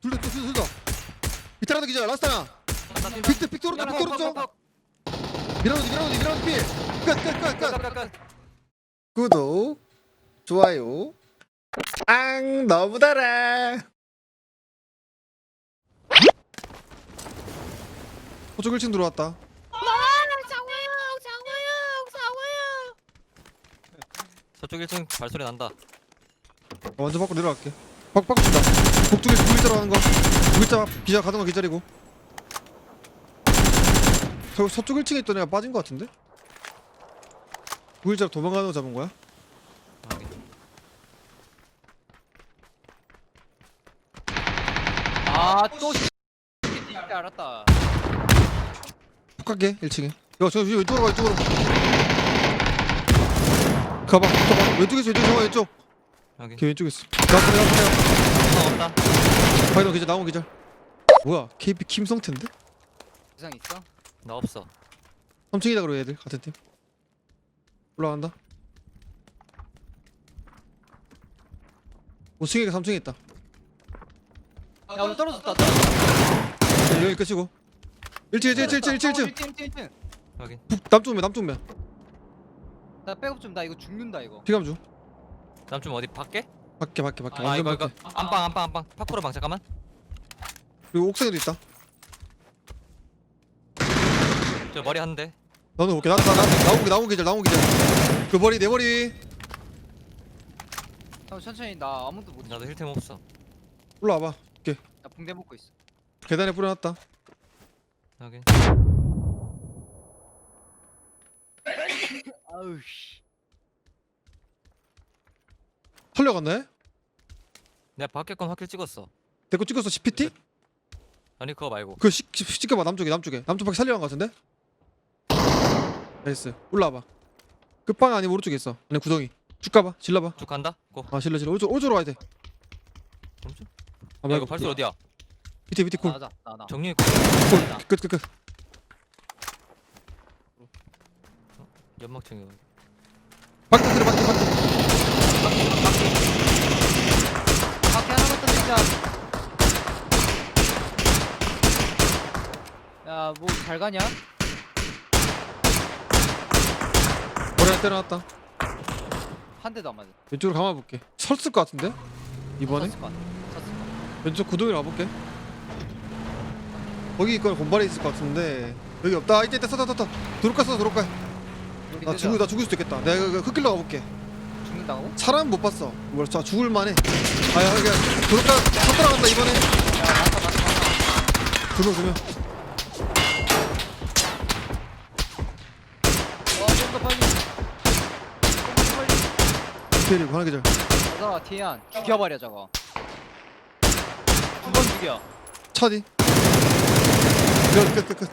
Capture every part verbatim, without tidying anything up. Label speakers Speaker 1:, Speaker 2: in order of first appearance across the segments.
Speaker 1: 둘다 둘다 비타라도 기자 라스트 하나 픽트 픽트 오른쪽 픽트 오른쪽 미라노지 미라노지 미라노지 필끝끝끝끝 구독 좋아요 앙 너무 달아 호쪽 일 층 들어왔다
Speaker 2: 아, 장화영, 장화영, 장화영.
Speaker 3: 저쪽 일 층 발소리 난다.
Speaker 1: 완전 밖으로 내려갈게 밖 밖으로 준다 북쪽에서 구일자로 가는 거 구일자 기자 가던 거 기다리고 저 서쪽 일 층에 있던 애가 빠진 거 같은데? 구일자로 도망가는 거 잡은 거야?
Speaker 3: 확인.
Speaker 4: 아또 진짜 알았다.
Speaker 1: 폭 갈게 일 층에 야 저 왼쪽으로 가 왼쪽으로 가봐 가봐 왼쪽에서 왼쪽 정화 왼쪽
Speaker 3: 확인.
Speaker 1: 걔 왼쪽에 있어 나왔어 나왔어
Speaker 3: 나 없다.
Speaker 1: 파이너 기자 나온 기자 뭐야 케이피 김성태인데?
Speaker 4: 부상 있어?
Speaker 3: 나 없어.
Speaker 1: 삼 층이다 그러 얘들 같은 팀 올라간다 오 층에 삼 층에 있다
Speaker 4: 야 오늘 떨어졌다. 떨어졌다.
Speaker 1: 여기 끝이고 일 층 일 층 일 층 일 층 일 층 일 층
Speaker 4: 일 층 일 층.
Speaker 3: 확인.
Speaker 1: 남쪽면 남쪽면
Speaker 4: 나 백업 좀. 나 이거 죽는다 이거.
Speaker 1: 피감 중
Speaker 3: 남좀 어디 밖에?
Speaker 1: 밖에 밖에 밖에
Speaker 3: 아
Speaker 1: 완전
Speaker 3: 이거 이거
Speaker 1: 밖에
Speaker 3: 안방 안방 안방. 파쿠르 방 잠깐만.
Speaker 1: 그리고 옥상에도 있다
Speaker 3: 저 머리 한 대.
Speaker 1: 너는 볼게 나나 나온 게 나온 계절 나온 계절 그 머리 내 머리
Speaker 4: 형 천천히. 나 아무도 못.
Speaker 3: 나도 힐템 없어.
Speaker 1: 올라와봐
Speaker 4: 나 붕대 먹고 있어.
Speaker 1: 계단에 뿌려놨다
Speaker 3: 확인.
Speaker 4: 아우 씨.
Speaker 1: 털려갔네?
Speaker 3: 내가 밖에 건 확킬 찍었어.
Speaker 1: 내 거 찍었어 씨피티?
Speaker 3: 아니 그거 말고.
Speaker 1: 그거 시, 시, 찍어봐 남쪽에 남쪽에 남쪽 밖에 살려간 거 같은데? 나이스 올라와봐 끝방 아니면 오른쪽에 있어 아니 구덩이 쭉 가봐 질러봐
Speaker 3: 쭉 간다. 고.
Speaker 1: 아 질러 질러 오른쪽 오른쪽으로 와야 돼
Speaker 3: 오른쪽?
Speaker 1: 아,
Speaker 3: 야 이거 발소리 어디야?
Speaker 1: 밑에 밑에
Speaker 4: 나나 나 나.
Speaker 3: 정리.
Speaker 1: 쿨끝끝끝
Speaker 3: 연막층이.
Speaker 1: 밖에 들어 밖에 밖에
Speaker 4: 밖에 하나만 던진다. 야뭐 잘 가냐?
Speaker 1: 머리 하나 때려놨다
Speaker 4: 한 대도 안 맞아.
Speaker 1: 왼쪽으로 감아볼게 설쓸 것 같은데? 이번에?
Speaker 4: 쳤을 것 같아. 쳤을 것 같아.
Speaker 1: 왼쪽 구덩이로 가볼게 거기 있거나 곰발에 있을 것 같은데 여기 없다 아, 있다 있다 썼다 썼다 도로가 써 도로가
Speaker 4: 우리
Speaker 1: 나
Speaker 4: 늦어.
Speaker 1: 죽을 나 죽을 수도 있겠다 내가 그 흙길로 가볼게
Speaker 4: 죽는다고?
Speaker 1: 사람 못 봤어 뭘 자 죽을 만해 아야 여기 도로가 서 들어간다 이번에
Speaker 4: 야 맞다 맞다 맞다.
Speaker 1: 두명 두명
Speaker 4: 어좀 더 빨리. 좀 더 빨리.
Speaker 1: 피해리고 하나 계절
Speaker 4: 맞아 티안. 죽여버려 저거. 두 번 죽여.
Speaker 1: 차디 끝끝끝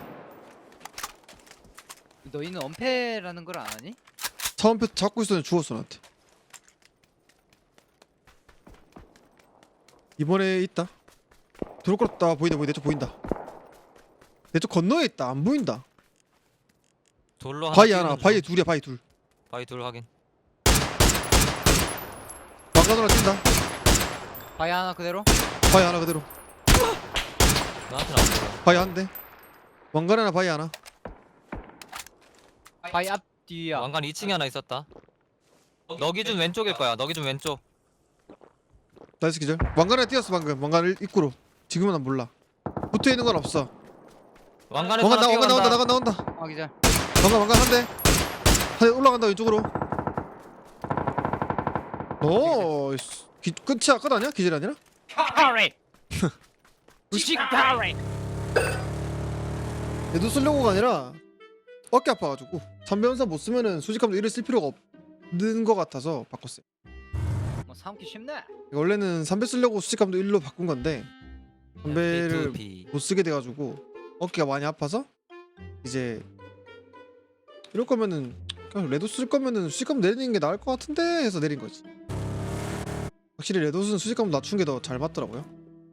Speaker 4: 너희는 엄폐라는 걸 안 하니?
Speaker 1: 차원표 잡고 있었는데 죽었어 나한테 이번에 있다 도로 끌었다 보인다 보인다 내쪽 보인다 내 쪽 건너에 있다 안 보인다
Speaker 3: 돌로 하나.
Speaker 1: 바위 하나
Speaker 3: 띄우는
Speaker 1: 바위
Speaker 3: 중.
Speaker 1: 둘이야 바위 둘
Speaker 3: 바위 둘 확인.
Speaker 1: 왕관으로 뛴다
Speaker 4: 바위 하나 그대로?
Speaker 1: 바위 하나 그대로
Speaker 3: 나한테는 안 보여.
Speaker 1: 바위 한대 왕관 하나 바위 하나
Speaker 4: 바위 앞 뒤야.
Speaker 3: 왕관 이 층에 하나 있었다. 너 기준 왼쪽일 거야. 너 기준 왼쪽.
Speaker 1: 나이스 기절 왕관 하나 뛰었어 방금 왕관 일- 입구로 지금은 난 몰라 붙어있는 건 없어
Speaker 3: 왕관에서
Speaker 1: 왕관
Speaker 3: 하나
Speaker 1: 나 왕관 나온다
Speaker 3: 뛰어간다.
Speaker 1: 나간 나온다
Speaker 4: 아 기절.
Speaker 1: 왕관 왕관 한대 한대 올라간다 왼쪽으로 오 기, 끝이야 끝 아니야? 기절 아니라?
Speaker 4: 카레. 우식 카레.
Speaker 1: 얘도 쓰려고가 아니라 어깨 아파가지고 삼배연사 못 쓰면은 수직감도 일을 쓸 필요가 없는 것 같아서 바꿨어요
Speaker 4: 뭐 삼기 쉽네.
Speaker 1: 원래는 삼배 쓰려고 수직감도 일로 바꾼 건데 삼배를
Speaker 3: B
Speaker 1: 못 쓰게 돼가지고 어깨가 많이 아파서 이제 이럴 거면은 그냥 레도 쓸 거면은 수직감 내리는 게 나을 것 같은데 해서 내린 거지. 확실히 레도스는 수직감 낮춘 게 더 잘 맞더라고요.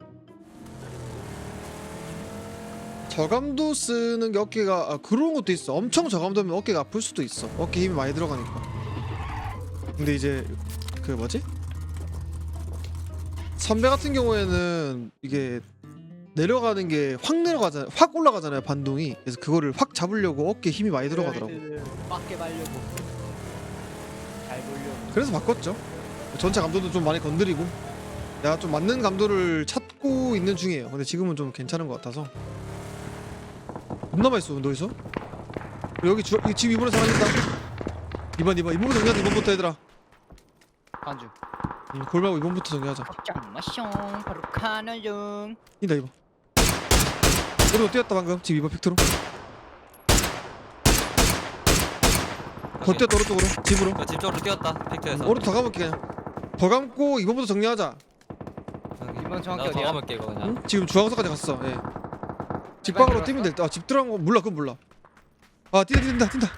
Speaker 1: 저감도 쓰는 게 어깨가 아, 그런 것도 있어. 엄청 저감도면 어깨가 아플 수도 있어. 어깨 힘이 많이 들어가니까. 근데 이제 그 뭐지? 선배 같은 경우에는 이게 내려가는 게 확 내려가잖아요. 확 올라가잖아요 반동이. 그래서 그거를 확 잡으려고 어깨에 힘이 많이 들어가더라고.
Speaker 4: 맞게 말려고. 잘 보려고.
Speaker 1: 그래서 바꿨죠. 전체 감도도 좀 많이 건드리고 내가 좀 맞는 감도를 찾고 있는 중이에요. 근데 지금은 좀 괜찮은 것 같아서. 겁나 많이 쏘 너희서. 여기 주, 이 집 이번에 사람 있다. 이번 이번 이번부터 정리하자. 이번부터 얘들아.
Speaker 4: 간주.
Speaker 1: 음, 골 말고 이번부터 정리하자.
Speaker 4: 짱마숑 바로 가는 중.
Speaker 1: 이다 이번. 우리도 뛰었다 방금. 집 이번 픽트로. 더 뛰었다 오른쪽으로. 집으로.
Speaker 3: 그 집 쪽으로 뛰었다.
Speaker 1: 음,
Speaker 3: 픽트에서.
Speaker 1: 오른쪽 더 감을게 그냥. 더 감고 이번부터 정리하자.
Speaker 4: 이번 정확히
Speaker 3: 나더
Speaker 4: 어디야?
Speaker 3: 감을게 이거 그냥.
Speaker 1: 응? 지금 중앙서까지 갔어. 예. 집방으로 뛰면 될 듯. 아, 집 들어간 거 몰라. 그건 몰라. 아, 뛴다 뛴다 뛴다.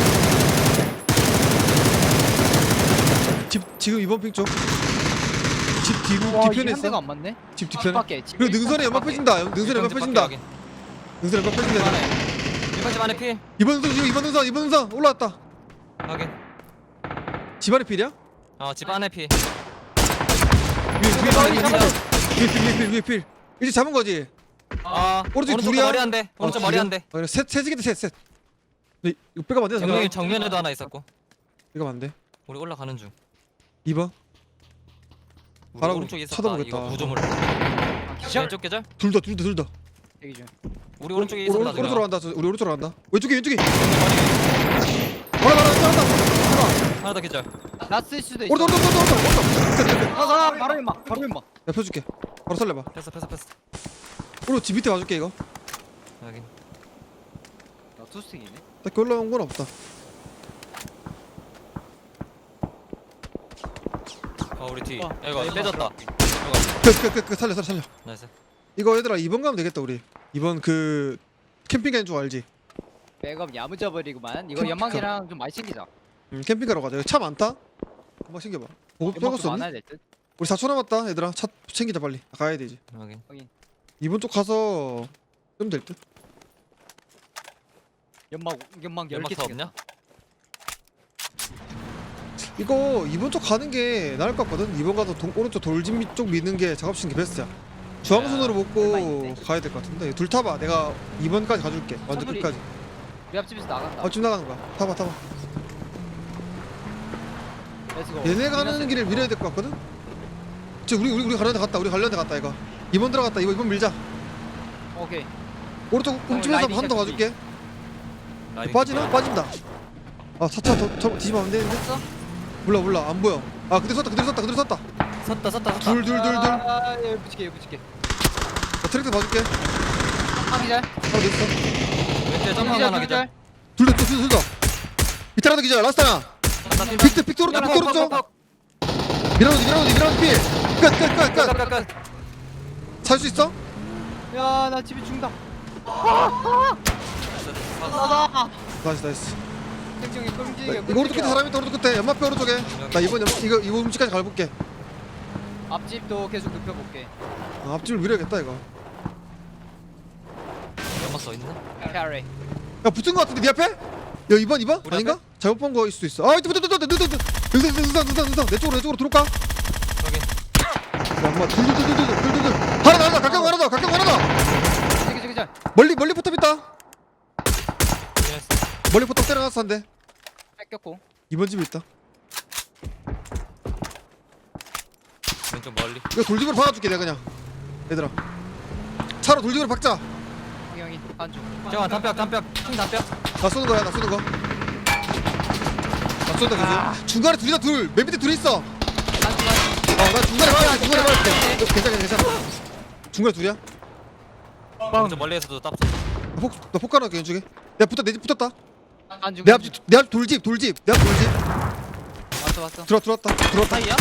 Speaker 1: 집 지금 이번 핑 쪽. 집 뒤,
Speaker 4: 와, 이게
Speaker 1: 뒤편에
Speaker 4: 한 대가
Speaker 1: 있어.
Speaker 4: 안 맞네.
Speaker 1: 집 뒤편에.
Speaker 4: 밖에.
Speaker 1: 그리고 능선에 연막 펴진다. 능선에 연막 펴진다. 능선에 연막 펴진다.
Speaker 3: 이번 집 안에 필.
Speaker 1: 이번 능선 지금 이번 능선 이번 능선 올라왔다.
Speaker 3: 확인.
Speaker 1: 집안에 필이야?
Speaker 3: 어집 안에 필.
Speaker 1: 위에 위에
Speaker 3: 머리
Speaker 1: 필
Speaker 3: 잡아줘.
Speaker 1: 위에 필 위에 필 위에 필. 이제 잡은 거지.
Speaker 3: 아
Speaker 1: 오른쪽
Speaker 3: 오른쪽
Speaker 1: 둘이야?
Speaker 3: 머리 한 대. 오른쪽 머리 한 대.
Speaker 1: 어, 셋 셋이겠다 셋 셋. 근데 이거 빼가 안 돼.
Speaker 3: 정면이 정면에도 하나 있었고.
Speaker 1: 이거 안 돼.
Speaker 3: 우리 올라가는 중.
Speaker 1: 이 번.
Speaker 3: 우리
Speaker 1: 바라보-
Speaker 3: 오른쪽에 있었다.
Speaker 1: 쳐다보겠다.
Speaker 3: 이거 구조물.
Speaker 4: 기절.
Speaker 3: 왼쪽 계절.
Speaker 1: 둘 다 둘 다 둘 다.
Speaker 4: 대기 중.
Speaker 3: 우리 오른쪽에
Speaker 1: 우리
Speaker 3: 있었다.
Speaker 1: 오른- 오른쪽으로 간다. 저- 우리 오른쪽으로 간다. 왼쪽에 왼쪽에.
Speaker 3: 머리.
Speaker 1: 바로 바로 간다.
Speaker 3: 하나 더 계절.
Speaker 4: 라스일 수도 있어.
Speaker 1: 오른쪽 오른쪽 오른쪽 오른쪽.
Speaker 4: 아, 가 바로 임마. 바로 임마.
Speaker 1: 내가 펴줄게. 바로 살려봐.
Speaker 3: 패스 패스 패스.
Speaker 1: 오른 집 밑에 봐줄게 이거.
Speaker 3: 확인.
Speaker 4: 나 투스틱이네.
Speaker 1: 딱히 올라온 건 없다.
Speaker 3: 어 우리 뒤.
Speaker 4: 어,
Speaker 3: 야, 이거
Speaker 4: 나
Speaker 3: 빼졌다.
Speaker 1: 끝끝끝 살려 살려 살려.
Speaker 3: 나이스.
Speaker 1: 이거 얘들아 이 번 가면 되겠다 우리. 이번 그 캠핑 가는 줄 알지?
Speaker 4: 백업 야무져 버리구만. 이거
Speaker 1: 캠-
Speaker 4: 연막이랑 좀 많이 챙기자.
Speaker 1: 음, 캠핑 가러 가자. 여기 차 많다. 한번 챙겨봐. 보급
Speaker 4: 연막
Speaker 1: 펴고
Speaker 4: 좀
Speaker 1: 썼니?
Speaker 4: 많아야 될 듯.
Speaker 1: 우리 사 초 남았다 얘들아. 차 챙기자 빨리. 아, 가야 되지.
Speaker 3: 확인.
Speaker 1: 이번 쪽 가서 끄면 될 듯.
Speaker 4: 연막 연막 열
Speaker 3: 연막
Speaker 4: 개
Speaker 3: 더
Speaker 4: 챙겼다.
Speaker 3: 없냐?
Speaker 1: 이거 이번 쪽 가는 게 나을 것 같거든. 이번 가서 동, 오른쪽 돌집 밑 쪽 미는 게 작업실 게 베스트야. 중앙선으로
Speaker 4: 얼마
Speaker 1: 먹고
Speaker 4: 있는데?
Speaker 1: 가야 될 것 같은데. 둘 타봐. 내가 이번까지 가줄게. 완전
Speaker 4: 선물이-
Speaker 1: 끝까지.
Speaker 4: 우리 앞집에서 나간다.
Speaker 1: 어, 지금 나가는 거야. 타봐 타봐.
Speaker 4: 렛츠고.
Speaker 1: 얘네 가는 길을 밀어야 될 것 같거든. 저 우리 우리 우리 가려는 데 갔다. 우리 가려는 데 갔다 이거. 이번 들어갔다. 이번 이번 밀자.
Speaker 4: 오케이.
Speaker 1: 오른쪽 움집에서
Speaker 4: 라이딩
Speaker 1: 한 더
Speaker 4: 시작
Speaker 1: 가줄게.
Speaker 3: 라이딩
Speaker 1: 빠지나?
Speaker 3: 좀
Speaker 1: 빠진다. 아 차차 더, 더 뒤집으면 안 되는데.
Speaker 4: 됐어?
Speaker 1: 몰라 몰라 안 보여. 아 그대로 섰다 그대로 섰다 그대로 섰다.
Speaker 3: 섰다 섰다 섰다.
Speaker 1: 둘 둘 둘 둘.
Speaker 4: 아, 여기 붙일게 여기 붙일게.
Speaker 1: 나 트랙터 봐줄게.
Speaker 4: 하기절.
Speaker 1: 하나 더 있어.
Speaker 3: 왼쪽에 점만 하나 계절.
Speaker 1: 둘다 둘다 둘다. 밑에 하나 더 기절. 라스트 하나.
Speaker 3: 나 뛴다.
Speaker 1: 빅트 빅트 오른쪽 빅트 오른쪽. 밀어넣지 밀어넣지 밀어넣지 필. 끝끝끝 끝.
Speaker 3: 끝끝끝.
Speaker 1: 살 수 있어?
Speaker 4: 야, 나 집에 죽는다. 나다.
Speaker 1: 나이스 나이스.
Speaker 4: 땡땡이 끔찍해.
Speaker 1: 나, 이거 오른쪽 끝에 사람 있다 오른쪽 끝에 연마표 오른쪽에. 나 이번 연 이거 이거 음식까지 갈볼게.
Speaker 4: 앞집도 계속 눕혀볼게.
Speaker 1: 아, 앞집을 밀어야겠다 이거.
Speaker 3: 연막 써 있나?
Speaker 4: 캐리.
Speaker 1: 야 붙은 거 같은데 네 앞에? 야 이번 이번
Speaker 3: 우리
Speaker 1: 아닌가? 잘못 본 거일 수도 있어. 아 이때 붙어 붙어 붙어 붙어 붙어. 능선 능선 능선 능선 내 쪽으로 내 쪽으로 들어올까?
Speaker 3: 확인.
Speaker 1: 야 엄마 둘둘둘둘둘둘둘 하나 더 하나 더 가까운 하나 더 가까운 하나 더.
Speaker 4: 저기 저기 저.
Speaker 1: 멀리 멀리 포탑 있다.
Speaker 3: 확인했어.
Speaker 1: 멀리 포탑 때려놨어 한대.
Speaker 4: 뺏겼고.
Speaker 1: 이번 집에 있다.
Speaker 3: 왼쪽 멀리.
Speaker 1: 이거 돌집으로 박아줄게 내가 그냥. 얘들아 차로 돌집으로 박자.
Speaker 4: 형이 한쪽.
Speaker 3: 정아 담벼 담벼 킹 담벼.
Speaker 1: 나 쏘는 거야 나 쏘는 거. 나 쏜다 계속. 중간에 둘이다 둘. 맨 밑에 둘이 있어.
Speaker 4: 한쪽 한.
Speaker 1: 어나 중간에 봐야 중간에 봐야 돼. 괜찮아 괜찮아. 중간에 둘이야.
Speaker 3: 왼쪽 멀리에서도 딱 쏘.
Speaker 1: 나 폭, 나 폭가나 왼쪽에. 내가 붙었, 내 집 붙었다.
Speaker 4: 한쪽.
Speaker 1: 내 앞, 내 앞 돌집, 돌집. 내 앞 돌집.
Speaker 4: 왔어 왔어.
Speaker 1: 들어, 들어왔다. 들어왔다.
Speaker 3: 사이야?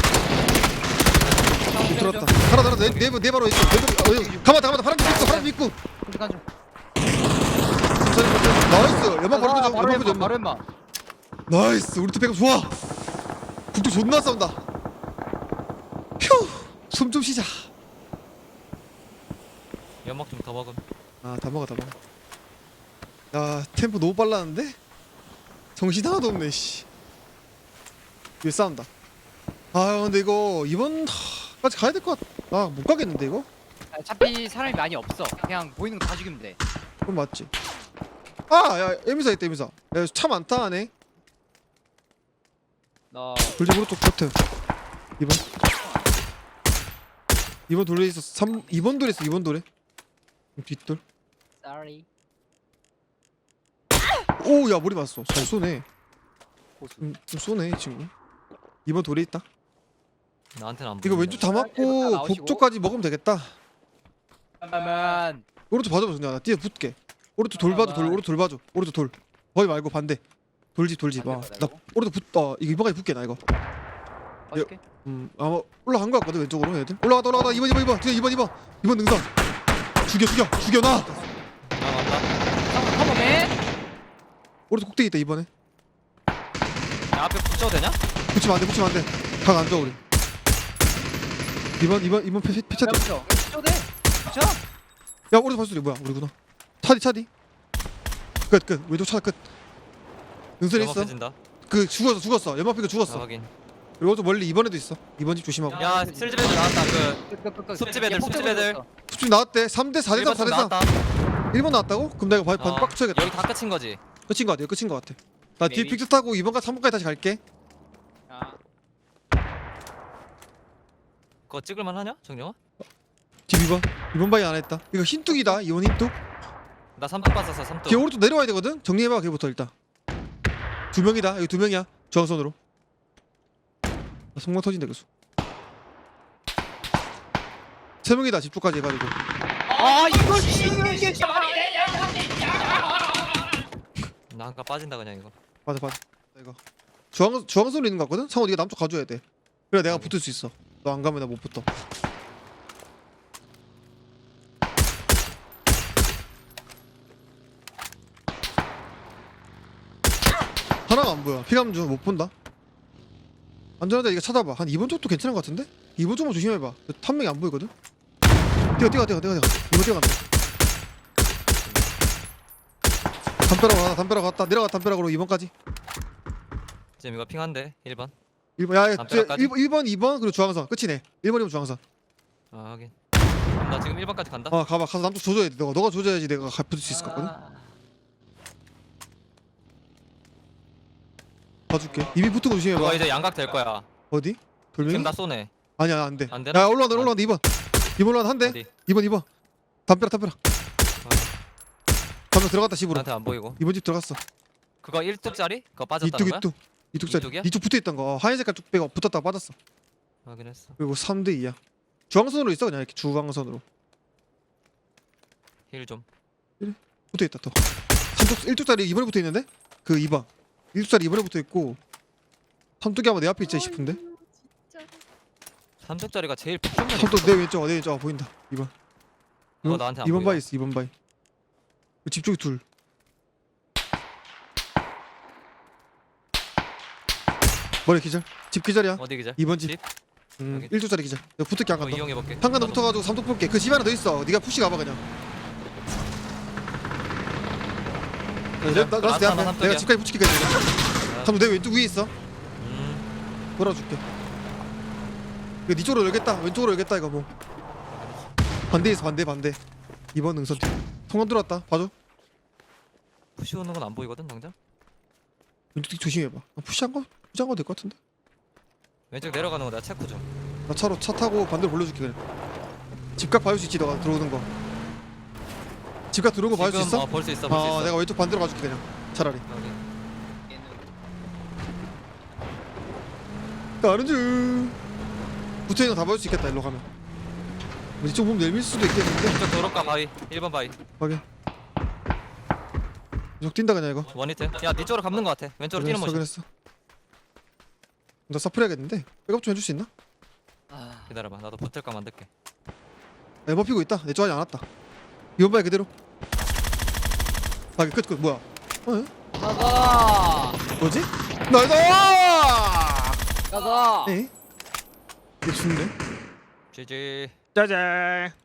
Speaker 1: 들어왔다. 하나, 하나, 내, 내, 내 바로 있어. 내, 바- 어, 여기. 가만, 가만, 파란 집 있고, 파란 집 있고.
Speaker 4: 한쪽 한쪽.
Speaker 1: 나이스. 연막 바로 끄자.
Speaker 4: 바로
Speaker 1: 연막 끄자.
Speaker 4: 엠마. 바로
Speaker 1: 연막.
Speaker 4: 엠마.
Speaker 1: 나이스. 우리 팀 백업 좋아. 북쪽 존나 싸운다. 휴. 숨 좀 쉬자.
Speaker 3: 연막 좀 더 먹음.
Speaker 1: 아, 다 먹어, 다 먹어. 야, 템포 너무 빨랐는데? 정신 하나도 없네, 씨. 이거 싸운다. 아, 근데 이거 이번까지 가야 될 것 같. 나 못 가겠는데 이거?
Speaker 4: 어차피 사람이 많이 없어. 그냥 보이는 거 다 죽이면 돼.
Speaker 1: 그럼 맞지. 아야 에미사 있다 에미사. 야차 많다 하네.
Speaker 4: 나
Speaker 1: 돌집 오른쪽 커트. 이번. 이번 돌에 있어. 삼 이번 돌에 있어. 이번 돌에. 뒷돌.
Speaker 4: sorry.
Speaker 1: 오 야 머리 맞았어. 잘 쏘네.
Speaker 4: 고수.
Speaker 1: 좀, 좀 쏘네 이 친구. 이번 돌에 있다.
Speaker 3: 나한테는 안
Speaker 1: 이거
Speaker 3: 보이는데.
Speaker 1: 왼쪽 다
Speaker 4: 일번 다
Speaker 1: 맞고
Speaker 4: 나오시고.
Speaker 1: 북쪽까지 먹으면 되겠다.
Speaker 4: 그러면
Speaker 1: 오른쪽 봐줘봐 정리야. 나 뒤에 붙게. 오른쪽 돌 봐줘. 돌 오른쪽 돌 봐줘. 오른쪽 돌. 거기 말고 반대. 돌집 돌집. 아,
Speaker 4: 반대
Speaker 1: 나
Speaker 4: 거라고?
Speaker 1: 오른쪽 붙. 어 이거 이번까지 붙게 나 이거.
Speaker 4: 봐줄게.
Speaker 1: 음 아마 올라간 거 같거든 왼쪽으로 얘들. 올라가다 올라가다 이번 이번 이번 뒤에 이번 이번 이번 능선. 죽여 죽여 죽여 나.
Speaker 3: 아 맞다.
Speaker 4: 컴온맨.
Speaker 1: 오른쪽 꼭대기 있다 이번에.
Speaker 3: 야, 앞에 붙여도 되냐?
Speaker 1: 붙이면 안돼 붙이면 안돼. 각 안 줘 우리. 이번 이번 이번 패 패차.
Speaker 4: 붙여. 붙여 돼. 붙여.
Speaker 1: 야 오른쪽 발소리 뭐야 우리구나. 차디 차디. 끝 끝. 왼쪽 차 끝. 능선 있어.
Speaker 3: 연막해진다.
Speaker 1: 그 죽었어 죽었어. 연막피가
Speaker 3: 아,
Speaker 1: 죽었어.
Speaker 3: 확인.
Speaker 1: 그리고 좀 멀리 이번에도 있어. 이번 집 조심하고.
Speaker 3: 야, 슬집 애들 나왔다. 그
Speaker 4: 끝끝끝.
Speaker 3: 숲집 애들, 숲집 애들.
Speaker 1: 숲집 나왔대. 삼 대 사 대 삼
Speaker 3: 일번
Speaker 1: 사
Speaker 3: 쪽
Speaker 1: 대 삼.
Speaker 3: 나왔다.
Speaker 1: 일 번 나왔다고? 그럼 내가 반
Speaker 3: 어,
Speaker 1: 빡 쳐야겠다.
Speaker 3: 여기 다 끝인 거지.
Speaker 1: 끝인 거 같아. 끝인 거 같아. 나 뒤에
Speaker 4: Maybe.
Speaker 1: 픽스 타고 이번까지 삼 번까지 다시 갈게.
Speaker 4: 아,
Speaker 3: 그거 찍을만 하냐? 정영아?
Speaker 1: 뒤 이번. 이번 바이 안 했다. 이거 흰뚝이다. 이번 흰뚝.
Speaker 3: 나 삼뚝 봤었어. 삼뚝.
Speaker 1: 걔 오른쪽 내려와야 되거든. 정리해봐. 걔부터 일단. 두 명이다. 여기 두 명이야. 저항선으로. 나 성공 터진다 교수. 세 명이다. 집쪽까지 해가지고.
Speaker 4: 아 이걸 지는 게
Speaker 3: 나 아까 빠진다 그냥 이거.
Speaker 1: 맞아 맞아. 이거 주황 주황선으로 있는 거 같거든. 상호 네가 남쪽 가줘야 돼. 그래 내가 붙을 수 있어. 너 안 가면 나 못 붙어. 하나가 안 보여. 피감 중 못 본다. 안전하다. 이거 찾아봐. 한 이번 쪽도 괜찮은 거 같은데? 이번 쪽만 조심해봐. 한 명이 안 보이거든. 뛰어 뛰어 뛰어 뛰어 뛰어. 이번 뛰어간다. 담벼락 갔다. 담벼락 갔다. 내려가 담벼락으로 이번까지.
Speaker 3: 지금 이거 핑한데 일 번.
Speaker 1: 일 번 야,
Speaker 3: 담벼락까지?
Speaker 1: 일 번, 일 번, 이 번 그리고 중앙선 끝이네. 일 번이면 중앙선.
Speaker 3: 아 확인. 그럼 나 지금 일 번까지 간다.
Speaker 1: 어 가봐. 가서 남쪽 조져야 돼. 너가 너가 조져야지 내가 가 붙을 수 있을 것 같거든. 봐줄게. 이미 붙은 거 조심해봐.
Speaker 3: 그거 이제 양각 될 거야.
Speaker 1: 어디? 돌멩이?
Speaker 3: 지금 나 쏘네.
Speaker 1: 아니야 안 돼.
Speaker 3: 안 되나?
Speaker 1: 야 올라온다 올라온다 이 번. 이 번 올라온다 한 대.
Speaker 3: 어디?
Speaker 1: 이 번 이 번. 담벼락 담벼락. 담벼락 들어갔다 집으로.
Speaker 3: 나한테 안 보이고.
Speaker 1: 이번 집 들어갔어.
Speaker 3: 그거 일 뚝짜리? 그거 빠졌다는
Speaker 1: 이뚝
Speaker 3: 거야?
Speaker 1: 이뚝. 이뚝 짜리.
Speaker 3: 이뚝이야?
Speaker 1: 이뚝 붙어 있던 거. 어, 하얀 색깔 뚝 빼고 붙었다가 빠졌어.
Speaker 3: 확인했어.
Speaker 1: 그리고 삼 대 이야. 중앙선으로 있어 그냥 이렇게 중앙선으로.
Speaker 3: 힐 좀.
Speaker 1: 붙어 있다 또. 삼뚝 일 뚝짜리 이번에 붙어 있는데? 그 이 번. 일 뚝짜리 이번에 붙어 있고. 삼뚝이 아마 내 앞에 있지 싶은데.
Speaker 3: 삼뚝짜리가 제일 북쪽면에
Speaker 1: 삼뚝 내 왼쪽 내 왼쪽 아, 보인다. 이 번.
Speaker 3: 그거 나한테 안
Speaker 1: 이 번
Speaker 3: 보여.
Speaker 1: 바이 있어. 이 번 바이. 집 쪽에 둘. 머리 기절. 집 기절이야.
Speaker 3: 어디 기자?
Speaker 1: 이 번 집.
Speaker 3: 집?
Speaker 1: 음,
Speaker 3: 여기.
Speaker 1: 일 뚝짜리 기절. 내가 붙을게 안
Speaker 3: 그거
Speaker 1: 간다.
Speaker 3: 이용해 볼게.
Speaker 1: 한간더 붙어가지고 삼뚝 볼게. 그 집 하나 더 있어. 네가 푸시 가봐 그냥. 나, 나, 나, 내 앞에. 내가 집까지 붙일게 그냥. 삼뚝 내 왼쪽 위에 있어.
Speaker 3: 음.
Speaker 1: 돌아줄게. 이거 네 쪽으로 열겠다. 왼쪽으로 열겠다 이거 뭐. 반대에서 반대 반대. 이번 능선. 통관 들어왔다. 봐줘.
Speaker 3: 푸시 오는 건 안 보이거든 당장.
Speaker 1: 왼쪽 뒤 조심해봐. 아, 푸시한 거? 푸시한 거 될 것 같은데.
Speaker 3: 왼쪽 내려가는 거 내가 체크 좀.
Speaker 1: 나 차로 차 타고 반대로 돌려줄게 그냥. 집각 봐줄 수 있지 너가 들어오는 거. 집각 들어오는 거 봐줄 수
Speaker 3: 지금,
Speaker 1: 있어?
Speaker 3: 어, 볼 수 있어. 볼 수
Speaker 1: 아
Speaker 3: 있어.
Speaker 1: 내가 왼쪽 반대로 가줄게 그냥. 차라리.
Speaker 3: 확인.
Speaker 1: 다른 중. 붙어있는 거 다 봐줄 수 있겠다 일로 가면. 뭐 이쪽 보면 내밀 수도 있겠는데.
Speaker 3: 이쪽 도로가 바위. 일 번 바위.
Speaker 1: 확인. 이쪽 뛴다 그냥 이거.
Speaker 3: 원히트. 야, 네 쪽으로 감는 거 같아. 왼쪽으로 뛰는 모션.
Speaker 1: 그랬어. 나 서프해야겠는데. 백업 좀 해줄 수 있나?
Speaker 4: 아,
Speaker 3: 기다려봐. 나도 붙을까 만들게.
Speaker 1: 에버 피고 있다. 내 쪽아직 안 왔다. 이번 바에 그대로. 아, 끝, 끝, 뭐야? 어?
Speaker 4: 가자.
Speaker 1: 뭐지? 나이다!
Speaker 4: 가자.
Speaker 1: 에? 이게 죽네?
Speaker 3: 지지.
Speaker 1: 짜잔.